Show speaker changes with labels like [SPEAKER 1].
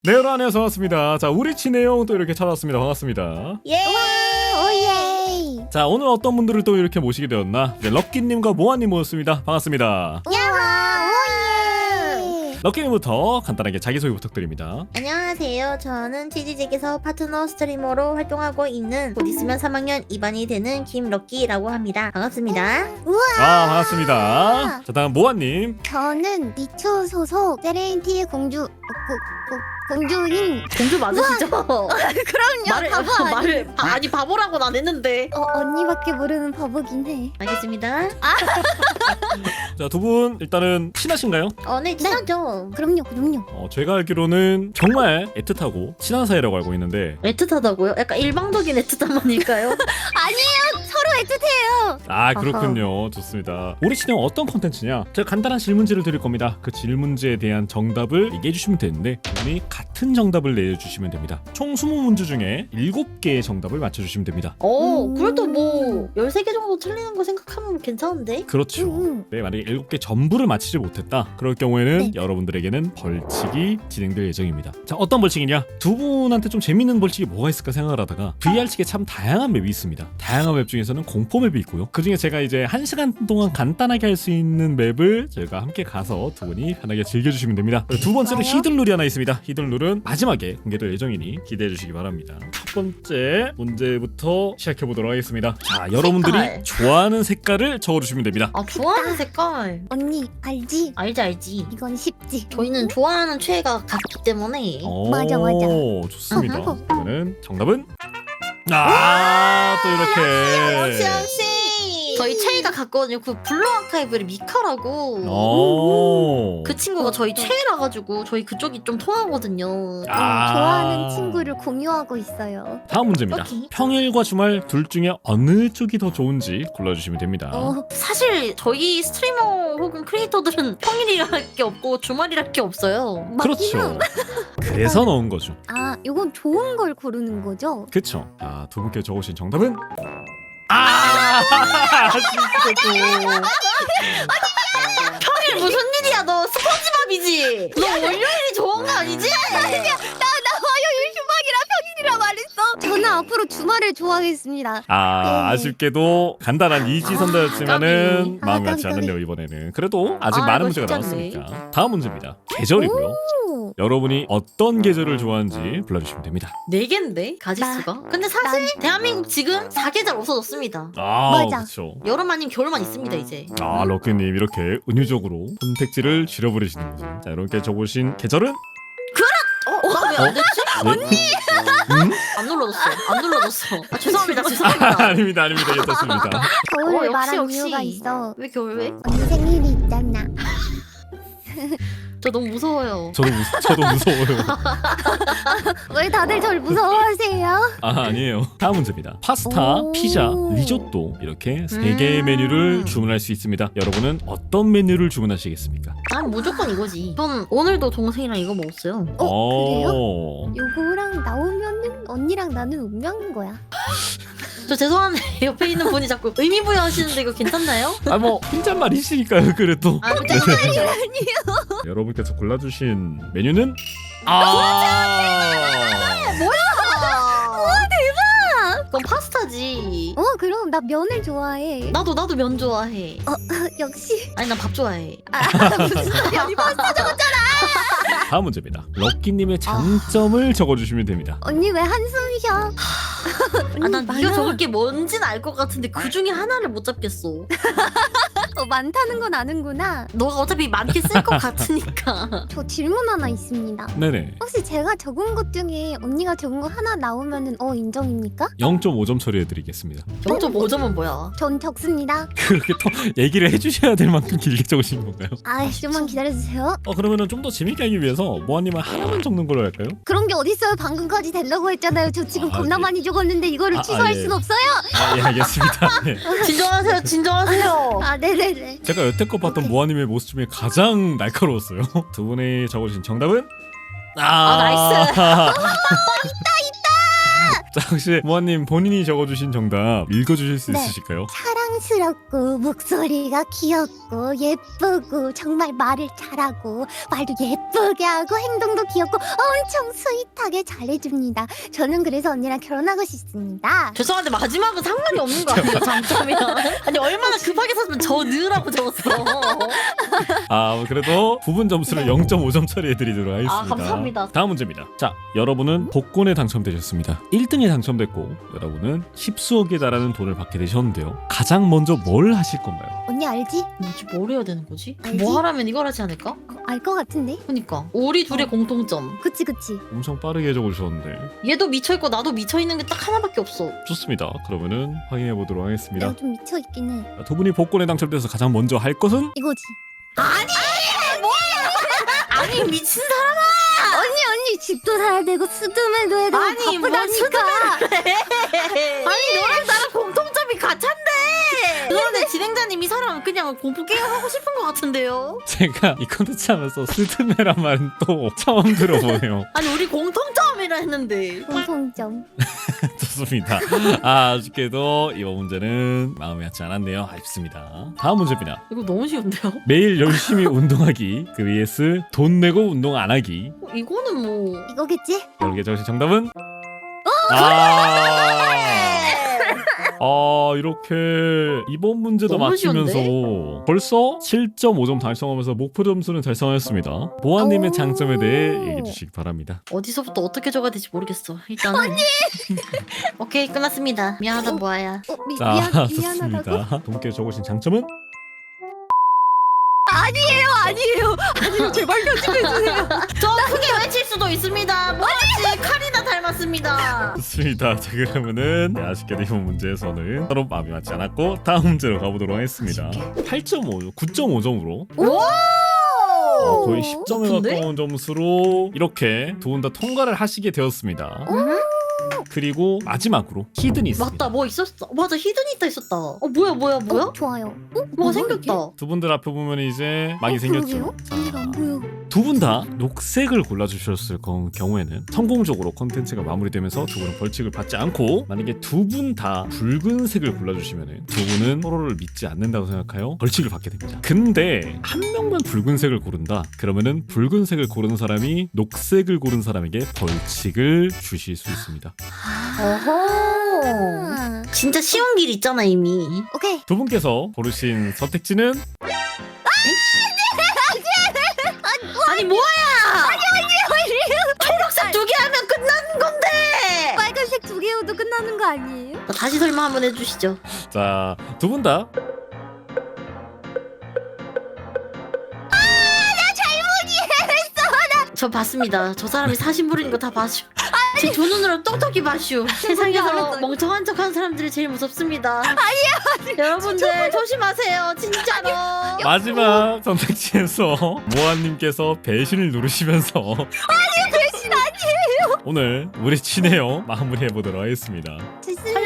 [SPEAKER 1] 네, 여러분 안녕하세요. 반갑습니다. 자, 우리 친해용 또 이렇게 찾아왔습니다. 반갑습니다.
[SPEAKER 2] 예!
[SPEAKER 3] 오예!
[SPEAKER 1] 자, 오늘 어떤 분들을 또 이렇게 모시게 되었나? 네, 럭키님과 모아님 모셨습니다. 반갑습니다.
[SPEAKER 3] 야호! 오예!
[SPEAKER 1] 럭키님부터 간단하게 자기소개 부탁드립니다.
[SPEAKER 2] 안녕하세요. 저는 치즈직에서 파트너 스트리머로 활동하고 있는 곧 있으면 3학년 2반이 되는 김럭키라고 합니다. 반갑습니다.
[SPEAKER 1] 반갑습니다. 자, 다음 모아님.
[SPEAKER 3] 저는 니초 소속 세레인티의 공주인
[SPEAKER 2] 공주 맞으시죠?
[SPEAKER 3] 그럼요 바보 아니
[SPEAKER 2] 아니 바보라고는 안 했는데.
[SPEAKER 3] 언니밖에 모르는 바보긴 해.
[SPEAKER 2] 알겠습니다.
[SPEAKER 1] 자, 두 분 일단은 친하신가요?
[SPEAKER 2] 네, 친하죠.
[SPEAKER 3] 그럼요.
[SPEAKER 1] 제가 알기로는 정말 애틋하고 친한 사이라고 알고 있는데
[SPEAKER 2] 애틋하다고요? 약간 일방적인 애틋함만일까요?
[SPEAKER 3] 아니에요 서로 애틋해요.
[SPEAKER 1] 아, 그렇군요. 좋습니다. 우리 친해용 어떤 콘텐츠냐? 제가 간단한 질문지를 드릴 겁니다. 그 질문지에 대한 정답을 얘기해 주시면 되는데 두 분이 같은 정답을 내주시면 됩니다. 총 20문제 중에 7개의 정답을 맞춰주시면 됩니다.
[SPEAKER 2] 그래도 뭐 13개 정도 틀리는 거 생각하면 괜찮은데?
[SPEAKER 1] 그렇죠. 네, 만약에 7개 전부를 맞히지 못했다. 그럴 경우에는
[SPEAKER 3] 네.
[SPEAKER 1] 여러분들에게는 벌칙이 진행될 예정입니다. 자, 어떤 벌칙이냐? 두 분한테 좀 재밌는 벌칙이 뭐가 있을까 생각을 하다가 VR측에 참 다양한 맵이 있습니다. 다양한 맵 중에서는 공포 맵이 있고요. 그 중에 제가 이제 1시간 동안 간단하게 할 수 있는 맵을 저희가 함께 가서 두 분이 편하게 즐겨주시면 됩니다. 두 번째로
[SPEAKER 3] 좋아요.
[SPEAKER 1] 히든룰이 하나 있습니다. 히든룰은 마지막에 공개될 예정이니 기대해 주시기 바랍니다. 첫 번째 문제부터 시작해 보도록 하겠습니다. 자, 여러분들이
[SPEAKER 2] 색깔.
[SPEAKER 1] 좋아하는 색깔을 적어주시면 됩니다.
[SPEAKER 2] 좋아하는 색깔.
[SPEAKER 3] 언니 알지?
[SPEAKER 2] 알지.
[SPEAKER 3] 이건 쉽지.
[SPEAKER 2] 저희는 좋아하는 최애가 같기 때문에.
[SPEAKER 3] 맞아.
[SPEAKER 1] 좋습니다.
[SPEAKER 3] 어허.
[SPEAKER 1] 그러면 정답은 또 이렇게.
[SPEAKER 2] 역시 저희 최애가 같거든요. 그 블루 아카이브의 미카라고.
[SPEAKER 1] 그
[SPEAKER 2] 그 친구가 저희 최애라 가지고 저희 그쪽이 좀 통하거든요.
[SPEAKER 3] 좋아하는 친구를 공유하고 있어요.
[SPEAKER 1] 다음 문제입니다.
[SPEAKER 2] 오케이.
[SPEAKER 1] 평일과 주말 둘 중에 어느 쪽이 더 좋은지 골라주시면 됩니다.
[SPEAKER 2] 사실 저희 스트리머 혹은 크리에이터들은 평일이랄 게 없고 주말이랄 게 없어요.
[SPEAKER 1] 그렇죠. 그래서 넣은 거죠.
[SPEAKER 3] 이건 좋은 걸 고르는 거죠?
[SPEAKER 1] 그쵸. 자, 두 분께 적으신 정답은 진짜
[SPEAKER 2] 평일 무슨 일이야? 너 스폰지밥이지? 너 월요일이 좋은 거 아니지?
[SPEAKER 3] 화요일 휴방이라 평일이라 말했어. 저는 앞으로 주말을 좋아하겠습니다.
[SPEAKER 1] 아쉽게도 간단한 이지선다였지만은
[SPEAKER 2] 까비.
[SPEAKER 1] 마음이 같지
[SPEAKER 3] 까비.
[SPEAKER 1] 않네요. 이번에는 그래도 아직
[SPEAKER 2] 이거
[SPEAKER 1] 많은 문제가
[SPEAKER 2] 쉽지 않네.
[SPEAKER 1] 남았으니까 다음 문제입니다. 계절이고요. 여러분이 어떤 계절을 좋아하는지 불러주시면 됩니다.
[SPEAKER 2] 4개인데 가지수가? 근데 사실 대한민국 지금 4계절 없어졌습니다.
[SPEAKER 3] 맞아.
[SPEAKER 1] 그렇죠.
[SPEAKER 2] 여름 아니면 겨울만 있습니다 이제.
[SPEAKER 1] 럭키님 이렇게 은유적으로 선택지를 줄여버리시는 거죠. 자, 여러분께 적으신 계절은?
[SPEAKER 2] 나 왜 안 됐지?
[SPEAKER 1] 언니!
[SPEAKER 2] 안 눌러줬어. 죄송합니다.
[SPEAKER 1] 아닙니다. 괜찮습니다.
[SPEAKER 3] 겨울을
[SPEAKER 2] 역시,
[SPEAKER 3] 말한
[SPEAKER 2] 역시.
[SPEAKER 3] 이유가 있어.
[SPEAKER 2] 왜 겨울 왜?
[SPEAKER 3] 언니 생일이 있잖아.
[SPEAKER 2] 저 너무 무서워요.
[SPEAKER 1] 저도 무서워요.
[SPEAKER 3] 왜 다들 절 무서워하세요?
[SPEAKER 1] 아니에요. 다음 문제입니다. 파스타,
[SPEAKER 3] 오.
[SPEAKER 1] 피자, 리조또 이렇게 3개의 메뉴를 주문할 수 있습니다. 여러분은 어떤 메뉴를 주문하시겠습니까?
[SPEAKER 2] 난 무조건 이거지. 전 오늘도 동생이랑 이거 먹었어요.
[SPEAKER 3] 그래요? 요거랑 나오면은 언니랑 나는 운명인 거야.
[SPEAKER 2] 저 죄송한데 옆에 있는 분이 자꾸 의미 부여하시는데 이거 괜찮나요?
[SPEAKER 1] 혼잣말이시니까요. 그래도
[SPEAKER 2] 괜찮아요.
[SPEAKER 1] 여러분께서 골라주신 메뉴는
[SPEAKER 2] 그건 파스타지.
[SPEAKER 3] 그럼 나 면을 좋아해.
[SPEAKER 2] 나도 면 좋아해.
[SPEAKER 3] 역시.
[SPEAKER 2] 아니 난 밥 좋아해.
[SPEAKER 3] 무슨 소리야? 이 파스타 적었잖아.
[SPEAKER 1] 다음 문제입니다. 럭키님의 장점을 적어주시면 됩니다.
[SPEAKER 3] 언니 왜 한숨 쉬어?
[SPEAKER 2] 난 네가 적을 게 뭔지는 알 것 같은데 그 중에 하나를 못 잡겠어.
[SPEAKER 3] 많다는 건 아는구나.
[SPEAKER 2] 너가 어차피 많게 쓸 것 같으니까.
[SPEAKER 3] 저 질문 하나 있습니다.
[SPEAKER 1] 네네.
[SPEAKER 3] 혹시 제가 적은 것 중에 언니가 적은 거 하나 나오면은 인정입니까?
[SPEAKER 1] 0.5점 처리해드리겠습니다.
[SPEAKER 2] 0.5점은 뭐야?
[SPEAKER 3] 전 적습니다.
[SPEAKER 1] 그렇게 더 얘기를 해주셔야 될 만큼 길게 적으신 건가요?
[SPEAKER 3] 좀만 기다려주세요.
[SPEAKER 1] 그러면은 좀 더 재밌게 하기 위해서 모아님은 하나만 적는 걸로 할까요?
[SPEAKER 3] 그런 게 어딨어요? 방금까지 되려고 했잖아요. 저 지금 겁나
[SPEAKER 1] 네.
[SPEAKER 3] 많이 적었는데 이거를 취소할
[SPEAKER 1] 예.
[SPEAKER 3] 순 없어요?
[SPEAKER 1] 예, 알겠습니다. 네.
[SPEAKER 2] 진정하세요.
[SPEAKER 3] 네네네.
[SPEAKER 1] 제가 여태껏 봤던 모아님의 모습 중에 가장 날카로웠어요. 두 분이 적어주신 정답은?
[SPEAKER 2] 나이스.
[SPEAKER 1] 자, 혹시 모아님 본인이 적어주신 정답 읽어주실 수
[SPEAKER 3] 네.
[SPEAKER 1] 있으실까요?
[SPEAKER 3] 차라리 사랑스럽고 목소리가 귀엽고 예쁘고 정말 말을 잘하고 말도 예쁘게 하고 행동도 귀엽고 엄청 스윗하게 잘해줍니다. 저는 그래서 언니랑 결혼하고 싶습니다.
[SPEAKER 2] 죄송한데 마지막은 상관이 없는 거 아니에요? 장점이랑. 아니 얼마나 급하게 썼으면 저 느라고 적었어.
[SPEAKER 1] 아 그래도 부분 점수를 0.5점 처리해드리도록 하겠습니다.
[SPEAKER 2] 아, 감사합니다.
[SPEAKER 1] 다음 문제입니다. 자 여러분은 복권에 당첨되셨습니다. 1등에 당첨됐고 여러분은 10수억에 달하는 돈을 받게 되셨는데요. 가장 먼저 뭘 하실 건가요?
[SPEAKER 3] 언니 알지?
[SPEAKER 2] 뭐지 뭘 해야 되는 거지?
[SPEAKER 3] 알지?
[SPEAKER 2] 뭐 하라면 이걸 하지 않을까?
[SPEAKER 3] 알 것 같은데?
[SPEAKER 2] 그니까 우리 둘의 공통점.
[SPEAKER 3] 그치.
[SPEAKER 1] 엄청 빠르게 적어주셨는데
[SPEAKER 2] 얘도 미쳐있고 나도 미쳐있는 게 딱 하나밖에 없어.
[SPEAKER 1] 좋습니다. 그러면은 확인해 보도록 하겠습니다.
[SPEAKER 3] 내가 좀 미쳐있긴 해.
[SPEAKER 1] 자, 두 분이 복권에 당첨돼서 가장 먼저 할 것은
[SPEAKER 3] 이거지.
[SPEAKER 2] 아니 미친 사람.
[SPEAKER 3] 언니 집도 사야 되고 수두맨도 해야 되고
[SPEAKER 2] 아니, 뭘
[SPEAKER 3] 바쁘다니까.
[SPEAKER 2] 아니 너랑 나랑 공통점이 같은데. 그런데 진행자님이 사람 그냥 공포 게임 하고 싶은 것 같은데요.
[SPEAKER 1] 제가 이 컨텐츠 하면서 스드메란 말은 또 처음 들어보네요.
[SPEAKER 2] 아니 우리 공통점이라 했는데.
[SPEAKER 3] 공통점.
[SPEAKER 1] 좋습니다. 아쉽게도 이번 문제는 마음에 맞지 않았네요. 아쉽습니다. 다음 문제입니다.
[SPEAKER 2] 이거 너무 쉬운데요?
[SPEAKER 1] 매일 열심히 운동하기 그 vs 돈 내고 운동 안 하기.
[SPEAKER 2] 이거는 뭐.
[SPEAKER 3] 이거겠지?
[SPEAKER 1] 여러분께 적으신 정답은? 이렇게 이번 문제도
[SPEAKER 2] 너무
[SPEAKER 1] 맞히면서
[SPEAKER 2] 쉬운데?
[SPEAKER 1] 벌써 7.5점 달성하면서 목표 점수는 달성하였습니다. 보아님의
[SPEAKER 3] 오.
[SPEAKER 1] 장점에 대해 얘기해 주시기 바랍니다.
[SPEAKER 2] 어디서부터 어떻게 적어야 될지 모르겠어. 일단은. 오케이 끝났습니다. 미안하다 보아야.
[SPEAKER 1] 자,
[SPEAKER 3] 미안하다고?
[SPEAKER 1] 좋습니다. 동께 적으신 장점은?
[SPEAKER 3] 아니에요. 제발 편집해주세요.
[SPEAKER 2] 저 크게 외칠 수도 있습니다. 뭐지 칼이나 닮았습니다.
[SPEAKER 1] 좋습니다. 자 그러면은 아쉽게도 이번 문제에서는 서로 마음이 맞지 않았고 다음 문제로 가보도록 하겠습니다. 8.5, 9.5점으로
[SPEAKER 2] 오!
[SPEAKER 1] 거의 10점에
[SPEAKER 2] 높은데?
[SPEAKER 1] 가까운 점수로 이렇게 두 분 다 통과를 하시게 되었습니다. 그리고 마지막으로 히든이 있습니다.
[SPEAKER 2] 맞다 뭐 있었어. 맞아 히든이타 있었다. 뭐야?
[SPEAKER 3] 좋아요.
[SPEAKER 2] 뭐가 생겼다.
[SPEAKER 1] 두 분들 앞에 보면 이제 막이 생겼죠.
[SPEAKER 3] 언니가 안 보여.
[SPEAKER 1] 두 분 다 녹색을 골라주셨을 경우에는 성공적으로 컨텐츠가 마무리되면서 두 분은 벌칙을 받지 않고, 만약에 두 분 다 붉은색을 골라주시면 두 분은 서로를 믿지 않는다고 생각하여 벌칙을 받게 됩니다. 근데 한 명만 붉은색을 고른다 그러면은 붉은색을 고른 사람이 녹색을 고른 사람에게 벌칙을 주실 수 있습니다.
[SPEAKER 2] 어허. 진짜 쉬운 길 있잖아 이미.
[SPEAKER 3] 오케이.
[SPEAKER 1] 두 분께서 고르신 선택지는
[SPEAKER 2] 아니 뭐야? 초록색 두 개 하면 끝나는 건데.
[SPEAKER 3] 빨간색 두 개여도 끝나는 거 아니에요?
[SPEAKER 2] 다시 설명 한번 해주시죠.
[SPEAKER 1] 자, 두 분 다
[SPEAKER 2] 저 봤습니다. 저 사람이 사신 부리는 거 다 봤슈. 제 두 눈으로 똑똑히 봤슈. 세상에서
[SPEAKER 3] 알았어요.
[SPEAKER 2] 멍청한 척하는 사람들이 제일 무섭습니다. 여러분들 조심하세요. 진짜로.
[SPEAKER 1] 마지막 선택지에서 모아님께서 배신을 누르시면서
[SPEAKER 3] 배신 아니에요.
[SPEAKER 1] 오늘 우리 친해요 마무리해보도록 하겠습니다.
[SPEAKER 3] 좋습니다.